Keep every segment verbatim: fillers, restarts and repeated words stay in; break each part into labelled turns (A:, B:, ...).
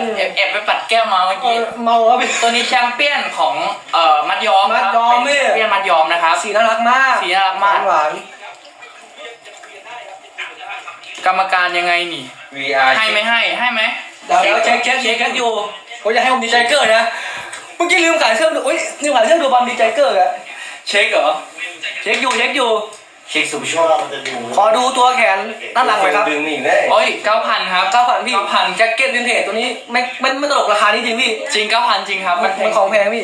A: แอบแอบไปปัดแก้วมาเมื่อกี้
B: เมาครับพี่
A: ตัวนี้แชมเปี้ยนของเอ่อมัดย้อม
B: มัดย้อม
A: เป็นแชมเปี้ยนมัดย้อมนะครับ
B: สีน่ารักมาก
A: สีน่ารักมาก
B: หวาน
A: กรรมการยังไงนี่
C: วี อาร์
A: ให้ไม่ให้ให้ไหม
B: เดี๋ยวเดี๋ยวเช็คเช็คเช็คกันอยู่ผมจะให้ผมดีใจเกอร์นะเมื่อกี้ลืมขายเครื่องดูอุ้ยลืมขายเครื่องดูบอลดีใจเกอร์อะเช็คเหรอเช็คอยู่เช็คอยู่
C: เช็คสุภโชค
B: ขอดูตัวแขนด้านหลังหน่อยครับ
C: ดึงนี่ได้
A: โอ้ยเก้าพันครับ
B: เก้าพันพี่แจ็คเก็ตวินเทจตัวนี้ไม่ไม่ไม่ตลกราคานี้จริงพี่
A: จริงเก้าพันจริงครับ
B: มั
A: มัน น
B: มันของแพงพี่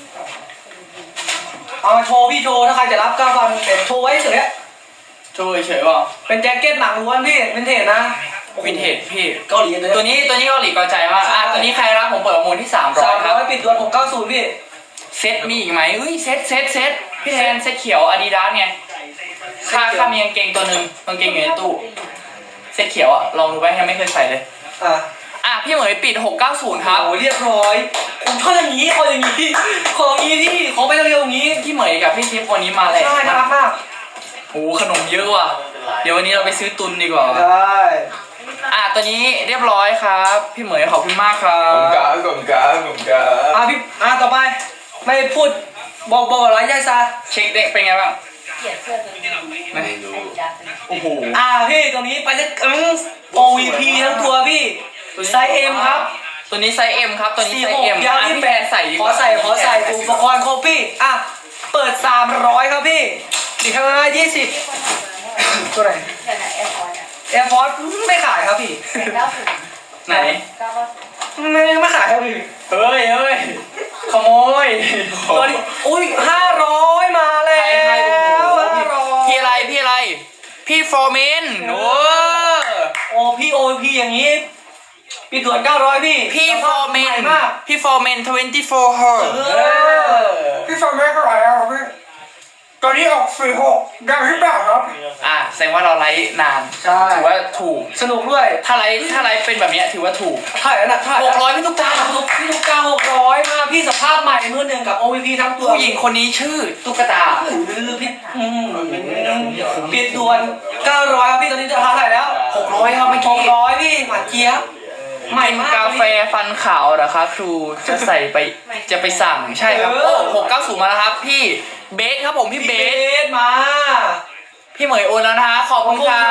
B: เอามาโชว์พี่โชว์ถ้าใครจะรับเก้าพันแต่โชว์ไว้เฉย
A: ช่วยเฉยว่า
B: เป็นแจ็คเก็ตหนังล้วนพี่วินเทจนะ
A: วินเทจพี่
B: เกาหลีเลย
A: ตัวนี้ตัวนี้เกาหลีเกาใจมากอ่ะตัวนี้ใครรับผมเปิดประมูลที่สามร้อ
B: สาย ม
A: ค
B: ร้
A: รับ
B: อยปิดดวนหกเก้าศูนย์พี่
A: เซตมีอีกไหมเอ้ยเซตเซตเซตพี่แทนเซตเขียวอาดิดาสไงค่าค่ามีกางเกงตัวหนึ่งกางเกงอยู่ในตู้เซตเขียวอ่ะลองดูไปยังไม่เคยใส่เลย
B: อ่ะ
A: อ่ะพี่เหมยปิดหกเก้าศูนย์ครับ
B: โอ้เรียบร้อยผมชอบอย่างนี้ขออย่างนี้ขออย่างนี้ที่ขอไปเร็วๆอย่างนี้
A: พี่เหมยกับพี่ทิพย์วันนี้มาเลย
B: ใช่น่ารักมาก
A: โอ้ขนมเยอะว่ะเดี๋ยววันนี้เราไปซื้อตุนดีกว่า
B: ได้
A: อ่ะตัวนี้เรียบร้อยครับพี่เหมยขอบคุณมากครั
C: ผม
A: บ
C: กาผมกาผมกา
B: อ่ะพี่อ่ะต่อไปไม่พูดบอกบอกอะไรยายซา
A: เช็คเด็กเป็นไงบ้าง
D: เกลียดเสื้อตัวนี้
A: ไม่
D: ไอ้ยักษ์
A: โอ้โห
B: อ่ะพี่ตรงนี้ไปจะอืม โอ วี พี ทั้งตัวพี่ไซส์ เอ็ม ครับ
A: ตัวนี้ไซส์ M ครับตัวนี้
B: สี่
A: ไซ
B: ห
A: ส์
B: ก
A: M
B: ยาว
A: อ่ะ
B: ที่
A: พี่
B: แป
A: แฟ
B: ด
A: นใส่ดีก
B: ขอ
A: ว่า
B: ใส่ขอใส่อุปกรณ์ครบพี่อ่ะเปิดสามร้อยครับพี่อีกข้างหน้ายี่สิบตัวไหน
D: แต่ไหนแอร์พอร์ตอ่ะ
B: แอร์ฟอร์สไม่ขายครับพี่
D: เก้าสิบ
A: ไหน
D: เก้าสิบ
B: ไม่ไม่ขายครับพี่
A: เฮ้ยเฮ้ยขโมย
B: ตัวนี้อุ้ยห้าร้อยมาแล้
A: ใครใครโอ้
B: ว
A: โห
B: ห้าร้อย
A: พี่อะไรพี่อะไรพี่ฟอร์เมนโอ้
B: โอ้พี่โอพีอย่างนี้พี่ด่วนเก้าร้อยพี่
A: พี่ฟอร์เมน
B: ใหมาก
A: พี่ฟอร์เมนยี่สิบสี่ h e r
B: เออพี่ฟอร์เมนเท่าไหร่ครับพี่ตอนนี้ออกสี่หกดังที่แบบครับ
A: อ่ะแสดงว่าเราไลฟ์นาน
B: ใช่
A: ถือว่าถูก
B: สนุกด้วย
A: ถ้าไลฟ์ถ้าไลฟ์เป็นแบบเนี้ยถือว่าถูก
B: เท่าไหร่นะเท่าไหร่
A: หกร้อยพี่ตุ๊กตา
B: ทุกพี่ทุกเก้าหกร้อยมาพี่สภาพใหม่มือหนึ่งกับ โอ วี พี ทั้งตัว
A: ผู้หญิงคนนี้ชื่อตุ๊กตา
B: หรือพี่อืมปิดด่วนเก้าร้อยครับพี่ตอนนี้ราคาเท่าไหร่แล้ว
A: หกร้อยครับเมื่อ
B: ห
A: กี้
B: กร้อยพี่หวานเจี๊ยบใหม่
A: เป็น
B: มาก
A: กาแฟฟันขาวเหรอคะครูจะใส่ไปจะไปสั่งใช่ครับโอ้หกเก้าศูนย์มาแล้วครับพี่เบสครับผมพี่
B: พี่
A: เบ
B: เบ
A: ส
B: สมา
A: พี่เหมยโอนแล้วนะฮะขอบคุณครับ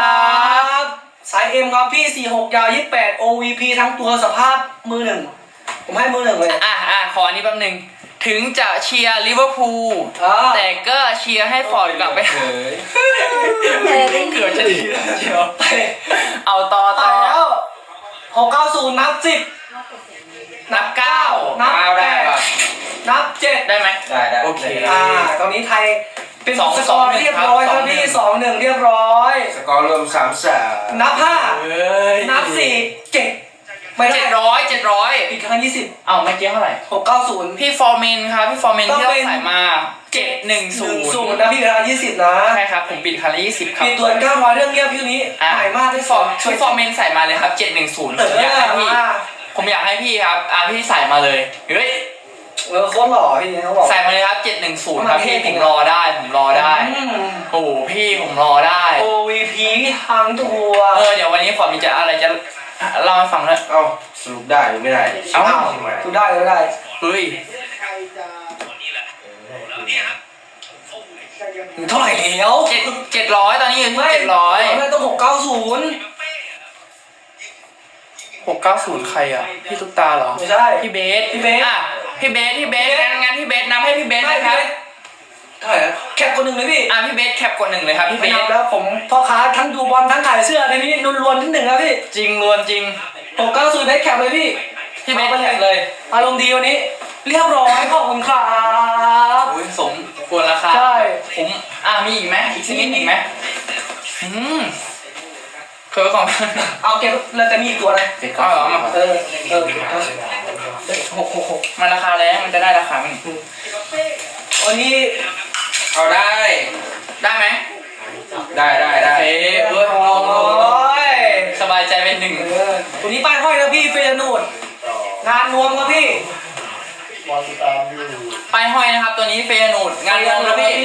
B: สาย M ครับพี่สี่หกยาวยี่สิบแปด โอ วี พี ทั้งตัวสภาพมือหนึ่งผมให้มือหนึ่งเลย
A: อ่ะอ่ะขออันนี้แป๊บนึงถึงจะเชียร์ลิเวอร์พูล
B: อ่า
A: แต่ก็เชียร์ให้ฟอร์ดกลับไป
C: เฮ้ย
D: เออได้
A: เกือบจะดีแล้วเชียว
B: ไป
A: เอาต่อ
B: ต่
A: ต่
B: อ
A: อ
B: แล้วหกเก้าศูนย์นับสิบ
A: นับเก้า
B: นับ
C: เอา
B: แป
C: ได้
B: ด
C: ป่ะ
B: นับเจ็ด
A: ได้ไหม
C: ได้ได้
A: โอเค
B: อ่าตอนนี้ไทยเป็น
A: สอง
B: ส
A: ส
B: ก
A: อ
B: อง ร์
A: หนึ่ง
B: เรียบร้อย
A: ค
B: ค
A: รั
B: รั
A: บบ
B: พี่สองหนึ่งเรียบร้อย
C: สกอร์รวมสามสาม
B: นับห้า
A: เฮ้ย
B: นับสี่เจ็ดไม่ได้
A: เจ็ดร้อยเจ็ดร้อย
B: อีกครั้งยี่สิบ
A: เอาเมื่อกี้เท่าไหร่
B: หกเก้าศูนย์
A: พี่ฟอร์เมนครับพี่ฟอร์เมน
B: ต้อง
A: ที่เรา
B: เป็น
A: ใส่มาเจ็ดหนึ่งศูน
B: ศูน
A: ย์
B: ย์นะพี่ครั้งยี่สิบนะ
A: ใช่ครับผมปิดคันละยี่สิบครับ
B: ปิดตัวเก้าร้อยเรื่องเงียบพี่นี้
A: อ่ะ
B: ใหม่มาก
A: พี่
B: พี่
A: ฟ
B: ฟ
A: อ
B: อ
A: ร์
B: ร์
A: พี่ฟอร์เมนใส่มาเลยครับเจ็ดหนึ่งศูนย์
B: เอ
A: ผมอยากให้
B: อ
A: พี่
B: มา
A: ผมอยากให้พี่ครับอ่ะพี่ใส่มาเลยเฮ้ย
B: เออโคตรหล่อพี่เขาบอก
A: ใส่มาเลยครับเจ็ดหนึ่งศูนย์ครับพี่
B: มาเท่
A: ผมรอได้ผมรอได้
B: อืม
A: โอ้โหพี่ผมรอได้
B: โอ วี พี ทั้งตัว
A: เออเดี๋ยววันนี้ฟอร์มมีจะอะไรจะเล่าให้ฟังเลย
C: เอ้าสรุปได้หรือไม่ได้
A: เอ้า
B: ดูได้เลยได้
A: เฮ้ย
B: เท่าไหร่แล้ว
A: เจ็ดเจ็ดร้อยตอนนี้อยู่ที่
B: ไม่
A: เจ็ดร้อย
B: ไม่ต้องหกเก้าศูนย์
A: หกเก้าศูนย์ใครอ่ะพี่ตุ๊กตาเหรอ
B: ไม่ใช่
A: พี่เบส
B: พี่เบส
A: อ่ะพี่เบสพี่เบสงั้นงั้นพี่เบสนับให้พี่เบส
B: ไม่
A: นะครับ
B: เท่าไหร่แล้วแคปคนหนึ่งเลยพี่
A: อ่ะพี่เบสแคปกดหนึ่งเลยครับพี่เบ
B: ไม่นั
A: ส
B: บแล้วผมพ่อค้าทั้งดูบอลทั้งขายเสื้อในนี้ล้วนๆที่หนึ่งแล้วพี่
A: จริงล้วนจริง
B: หกเก้าศูนย์เบสแคปเลยพี่
A: พี่เบสแคปเลย
B: อารมณ์ดีวันนี้ เรียบร้อยขอบคุณครับ
A: โอ้ยสมควรราคา
B: ใช่
A: ผมอ่ะมีอีกไหมอีกสักนิดอีกไหมอืมเคยของ
B: เอาเก็บแล้วแต่มีอีกตัวอะไร
C: เจ็ดเก้าศูนย์
B: เออเออหกหกหก
A: มันราคาแรงมันจะได้ราคาไหม
B: วันนี้
C: เอาได้
A: ได้ไหม
C: ได้ได้
A: โอ
C: ได้
A: เคเว้ยลองลองลอง
B: โอ้ย
A: สบายใจเป็นหนึ่ง
B: เออตัวนี้ป้ายห้อยนะพี่เฟรนูดงานรวมครับพี่
A: ไปห้อยนะครับตัวนี้เฟยนูดงานรวมแล้วพี่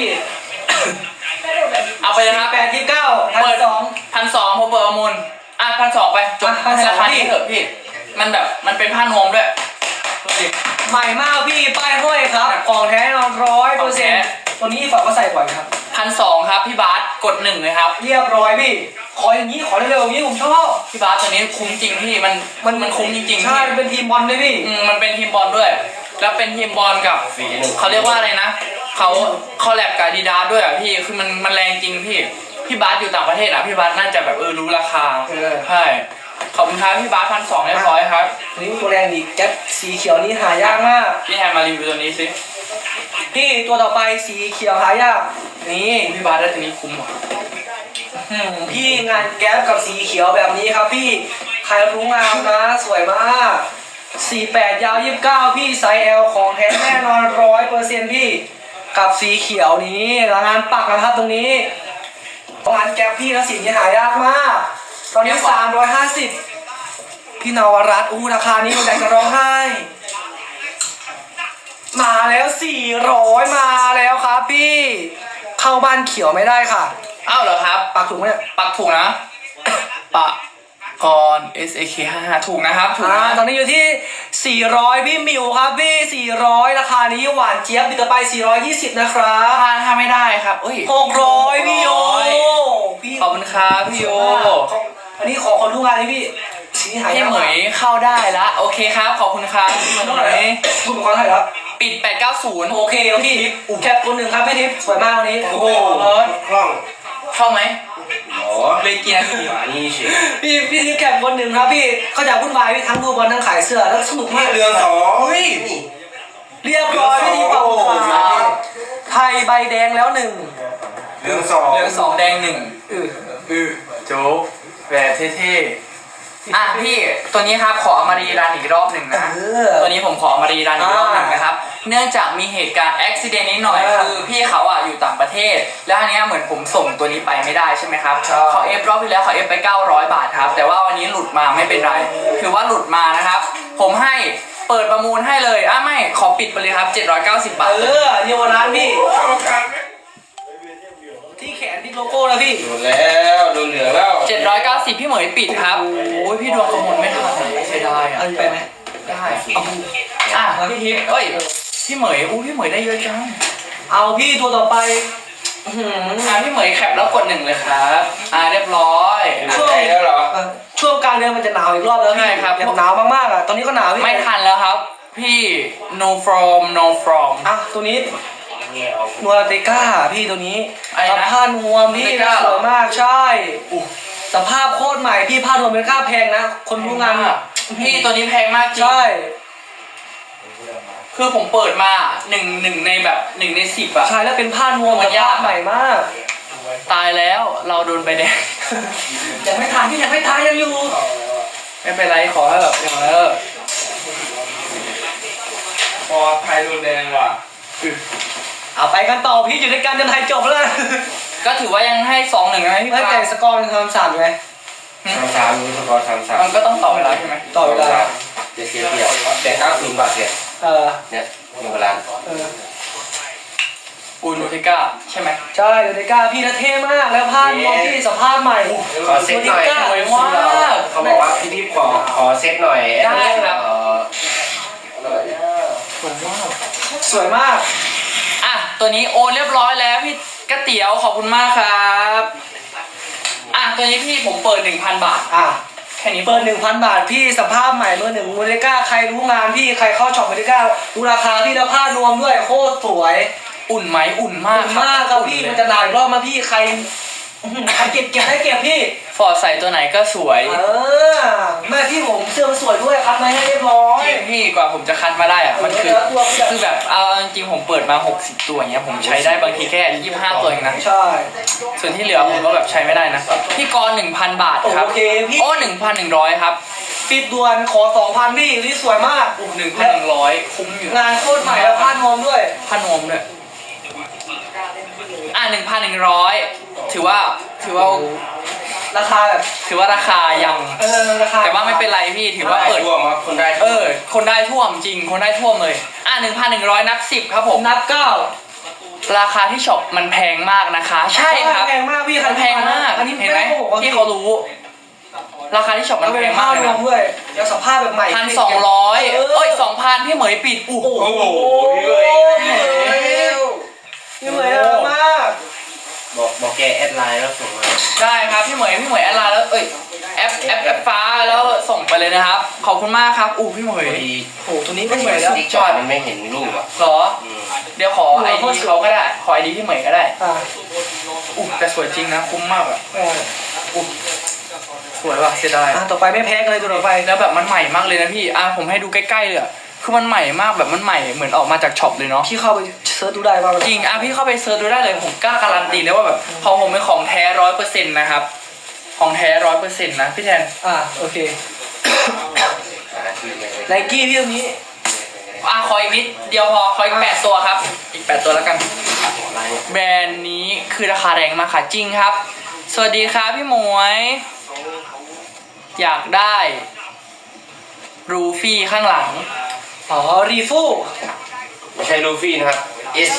A: เอาไปเลยครับ
B: แปดยี่สิบเก้าพัน
A: เปิด
B: สอง
A: พันสองผมเปิดประมูลอ่ะพันสองไปจบ
B: อ่ะ1,200
A: ราคานี้เถอะพี่มันแบบมันเป็นผ้านวมด้วยดูดิ
B: ใหม่มากพี่ป้ายห้อยครับของแท้นอนร้อยเปอร์เซ็นต์ตัวนี้ฝากก็ใส่บ่อยครับ
A: พันสองครับพี่บาสกดหนึ่งเลยครับ
B: เรียบร้อยพี่ขออย่างนี้ขอเร็วๆอย่างนี้ผมชอบ
A: พี่บาสตัวนี้คุ้มจริงพี่มันมันมันคุ้มจริงๆ
B: ใช่
A: พี่
B: เป็นทีมบอลด้วยพี่
A: อืมมันเป็นทีมบอลด้วย แล้วเป็นทีมบอลกับเขาเรียกว่าอะไรนะเขาคอลแลบกับอาดิดาสด้วยอ่ะพี่คือมันมันแรงจริงพี่พี่บาสอยู่ต่างประเทศอ่ะพี่บาสน่าจะแบบเออรู้ราคา
B: เออ
A: ใช่ขอบคุณครับพี่บาสพันสองเรียบร้อยครับ
B: ตัวนี้ตัวแรงอีกแก๊ปสีเขียวนี้หายากมาก
A: พี่แทนมารีวิวตัวนี้สิ
B: พี่ตัวต่อไปสีเขียวหายากนี่
A: พี่บาสได้ตัวนี้คุ้มว่ะ
B: อืมพี่งานแก๊ปกับสีเขียวแบบนี้ครับพี่ใครรู้งามนะสวยมากสี่แปดยาวยี่สิบเก้าพี่ไซส์ L ของแท้แน่นอนร้อยเปอร์เซ็นต์พี่กับสีเขียวนี้แล้วงานปักนะครับตรงนี้งานแก๊ปพี่แล้วสีนี้หายากมาก ตอนนี้สามร้อยห้าสิบพี่นวรัตน์อู้ราคานี้ผมอยากจะร้องไห้ มาแล้วสี่ร้อยมาแล้วครับพี่เข้าบ้านเขียวไม่ได้ค่ะ
A: อ้าวเหรอครับ
B: ปักถูกไหมเนี่ย
A: ปักถูกนะ ปะกร เอส เอ เค ห้าห้าถูกนะครับถูก
B: อ่า
A: นะ
B: ตอนนี้อยู่ที่สี่ร้อยพี่มิวครับพี่สี่ร้อยราคานี้หวานเจี๊ยบบิตไปสี่ร้อยยี่สิบนะครับ
A: ถ้าถ้าไม่ได้ครับเอ้ย
B: หกร้อยพี่โยพี่
A: ขอบคุณครับพี่โย
B: อันนี้ขอคนรู้งานนี้พี่สีหาย
A: พี่
B: าก
A: เหมยเข้าได้ละโอเคครับขอบคุณครับพี่เหม
B: เท่าไหร่
A: ย
B: คุณเป็นคนเท่าไหร่แล้ว
A: ปิดแปดเก้าศูนย์
B: โอเคพี่แคปคนหนึ่งครับพี่ทิพย์สวยมากวันนี้
C: โอ้โห
B: เลิศ
C: คล่อง
A: เข้าไหม
C: หรอ
A: เลยกี่นาที
C: หมานี่เฉย
B: พี่พี่ทิพย์แคปคนหนึ่งครับพี่เขาจะวุ่นวายพี่ทั้งดูบอลทั้งขายเสื้อแล้วสนุก
C: นี่
B: มาก
C: เรืองสองเฮ้ย
B: เรียบร้อยพี่ทิพย์ขอบคุณครับไทยใบแดงแล้วหนึ่ง
C: เรืองสอง
A: เหลืองสองแดงหนึ่ง
B: เออ
A: อือโจ๊กแบบเท่ๆอ่ะพี่ตัวนี้ครับขอเอามารีรันอีกรอบหนึ่งนะ
B: เออ
A: ตัวนี้ผมขอมารีรันอีกรอบหนึ่งนะครับ เนื่องจากมีเหตุการณ์อุบิเหตุนิดหน่อย
B: อ่า
A: คือพี่เขาอ่ะอยู่ต่างประเทศ แล้วอันเนี้ยเหมือนผมส่งตัวนี้ไปไม่ได้ใช่ไหมครับ
B: ใช่
A: เขาเอฟรอบที่แล้วเขาเอฟไปเก้าร้อยบาทครับ แต่ว่าวันนี้หลุดมาไม่เป็นไร ถือว่าหลุดมานะครับ ผมให้เปิดประมูลให้เลยอ่ะไม่ขอปิดไปเลยครับเจ็ดร้อยเก้าสิบบาท
B: เออเยาวราชพี่ที่แขนที่โลโก้แล้วพี่
C: โดนแล้วโดนเหลืองแล้ว
A: เจ็ดร้อยเก้าสิบพี่เหมยปิดครับโอ้ยพี่ดวงกระมวลไม่ทันเสียดายอ่ะ
B: เอาไปไหม
A: ได้อ่ะพี่ทิพย์เอ้ยพี่เหมยอู้พี่เหมยได้เยอะจัง
B: เอาพี่ตัวต่อไปอื้อหือ
A: อ่ะพี่เหมยแคปแล้วกดหนึ่งเลยครับ อ่าเรียบร้อย
C: ช่วยแล้วเหรอ
B: เอ่อช่วงกลางเดือนมันจะหนาวอีกรอบแล้วพี่
A: ใช่ครับ
B: แบบหนาวมากๆอ่ะตอนนี้ก็หนาวพี่
A: ไม่ทันแล้วครับ พี่ no from no from
B: อ่ะตัวนี้นัวเตก้าพี่ตัวนี้
A: อะไรนะ
B: ผ้านวมพี่
A: เตก้า
B: สวยมากใช่สภาพโคตรใหม่พี่ผ้านวมเป็นค่าแพงนะ คนรู้งาน
A: พี่ตัวนี้แพงมากจริง
B: ใช่
A: คือผมเปิดมาหนึ่งหนึ่งในแบบหนึ่งในสิบอะ
B: ใช่แล้วเป็นผ้านวม
A: มั
B: ส
A: นยาก
B: ภาพใหม่มาก
A: ตายแล้วเราโดนใบแดง
B: ยังไม่ทานพี่ยังไม่ทานยังอยู่
A: ไม่เป็นไรขอให้แบบอย่างเออ
C: พอไทยโดนแดงว่ะ
B: เอาไปกันต่อพี่อยู่ด้วยกันจนไทยจบแล้ว
A: ก็ถือว่ายังให้สองหนึ่งนะพี่
B: ไม่
A: ปา
B: แต่สกอร์มันทำสามไง
C: สามสามสกอร์สามสาม
A: มันก็ต้องต่อเวลาใช่ไหม
B: ต่อเวลา
C: เจ็ดเสียเปรียบแต่เก้าศูนย์บาทเสีย
B: เออ
C: เนี่ยหนึ่งเวลา
B: เออ
A: อูนูเทก้าใช่ไหม
B: ใช่อยู่ด้วยกันพี่นะเท่มากแล้วผ้านวมพี่สภาพใหม่
C: ขอเซ็ตหน่อย
A: สวยมาก
C: เขาบอกว่าพี่ทิพย์ขอขอเซ็ตหน่อย
A: ได้ครับ
C: เอ่อ
A: สวยมาก
B: สวยมาก
A: อ่ะ ตัวนี้โอนเรียบร้อยแล้วพี่ก๋วยเตี๋ยวขอบคุณมากครับ อ่ะ ตัวนี้พี่ผมเปิดหนึ่งพันบาท
B: อ่ะ
A: แค่นี้
B: เปิดหนึ่งพันบาทพี่สภาพใหม่เมื่อหนึ่งมูเลก้าใครรู้งานพี่ใครเข้าช็อปมูเลก้ารู้ราคาพี่แล้วผ้านวมด้วยโคตรสวย
A: อุ่นไหมอุ่นมาก
B: อุ่นมากครับพี่มันจะหนาวอีกรอบมาพี่ใครอื้อหือใครเก็บเก็บได้เก็บพี่
A: ฟอร์ดใส่ตัวไหนก็สวย
B: เออแม่พี่ผมเสื้อมันสวยด้วยครับมาให้เรียบร้อย
A: จริงพี่กว่าผมจะคัดมาได้อะมันคือ
B: เออตัวพี่
A: คือแบบเอาจริงๆผมเปิดมาหกสิบตัวอย่างเงี้ยผมใช้ได้บางทีแค่ยี่สิบห้าตัวเองนะ
B: ใช่
A: ส่วนที่เหลือผมก็แบบใช้ไม่ได้นะ พี่กรหนึ่งพันบาทครับ
B: โอเคพี่
A: โอ้หนึ่งพันหนึ่งร้อยครับ
B: ปิดด่วนขอสองพันพี่นี่สวยมาก
A: หนึ่งพันหนึ่งร้อยคุ้มอยู่
B: งานโคตรใหม่แล้วผ้านวมด้วย
A: ผ้านวมด้วยอ่ะหนึ่งพันหนึ่งร้อยถือว่าถือว่า
B: ราคาแบบ
A: ถือว่าราคายัง
B: เออราคา
A: แต่ว่าไม่เป็นไรพี่ถือว่าเปิด
C: ร่วมครับคนได้
A: เออ คนได้ท่วมจริง คนได้ท่วมเลย อ่ะหนึ่งพันหนึ่งร้อยนับสิบครับผม
B: นับเก้า
A: ราคาที่ช็อปมันแพงมากนะคะ ใช่ครับ
B: แพงมากพี่
A: มันแพงมาก
B: อันนี้
A: เห็นไหม
B: ไม่ได้โกหกว่า
A: พี่เขารู้ราคาที่ช็อปมั
B: มัน น
A: แพ
B: เป็น
A: ง
B: ผ้าม
A: ากเลย
B: รว
A: นะ
B: มด้วยแล้วสภาพแบบใหม่
A: พันสองร้อย
B: เออ
A: เอ้ยสองพันพี่เหมยปิดอู้
B: โอ้โห
C: พี่เหมย
B: พี่เหมยน่ารักมาก
C: บอกบอกแกแอดไลน์แล้วส่งมา
A: ได้ครับพี่เหมยพี่เหมยแอดไลน์แล้วเอ้ยแอปแอปแอปฟ้าแล้วส่งไปเลยนะครับ ขอบคุณมากครับอู้พี่เหม
C: พ
A: ย
C: อดี
B: โอ้โหตัวนี้ไม่เหมือนแล้ว
C: ติ๊กจอดมันไม่เห็นรูปอ่ะ
A: เหรอ
C: อืม
A: เดี๋ยวขอไอดีเขาก็ได้ขอไอดีพี่เหมยก็ได้
B: อ่า
A: อู้แต่สวยจริงนะคุ้มมากอะ
B: เออ
A: อู้สวยว่ะเสียดาย
B: อ่ะต่อไปไม่แพ้กันเลยตัวต่อไป
A: แล้วแบบมันใหม่มากเลยนะพี่อ่ะผมให้ดูใกล้ๆเลยอะคือมันใหม่มากแบบมันใหม่เหมือนออกมาจากช็อปเลยเนาะ
B: พี่เข้าไปเซิร์ชดูได้ว่ามัน
A: จริงอ่ะพี่เข้าไปเซิร์ชดูได้เลยผมกล้าการันตีเลยว่าแบบของผมเป็นของแท้ร้อยเปอร์เซ็นต์นะครับของแท้ร้อยเปอร์เซ็นต์นะพี่แทน
B: อ่าโอเค
C: หาที่ไม่ได้
B: ไนกี้พี่ตรงนี้
A: อ่ะขออีกนิดเดียวพอขออีกแปดตัวครับอีกแปดตัวแล้วกัน
C: ไลน์
A: แบรนด์นี้คือราคาแรงมากค่ะจริงครับ สวัสดีครับพี่หมวย อยากได้รูฟี่ข้างหลัง
B: อ๋อรีฟู
C: ไม่ใช่ลูฟี่นะครับ S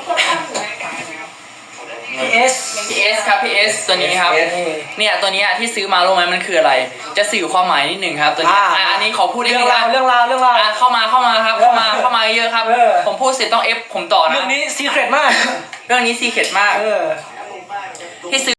B: พีเอส
A: พี เอส ครับพี เอส ตัวนี้ครับ
C: เอส
A: เนี่ยตัวเนี้ยที่ซื้อมารู้ไหมมันคืออะไร จะสื่อความหมายนิดหนึ่งครับตัวนี้อ่ะอันนี้ขอพูดนิด
B: เรื่อ
A: นึ
B: ง
A: ง
B: ราว
A: นะ
B: เรื่องราวเรื่องราว
A: อ่ะเข้ามาเข้ามาครับเข้ามาเข้ามาเยอะครับ
B: เออ
A: ผมพูดเสร็จต้องเอฟผมต่อนะ
B: เรื่องนี้ซีเครตมาก
A: เรื่องนี้ซีเข็ดมาก
B: เออ
A: ที่ซื้อ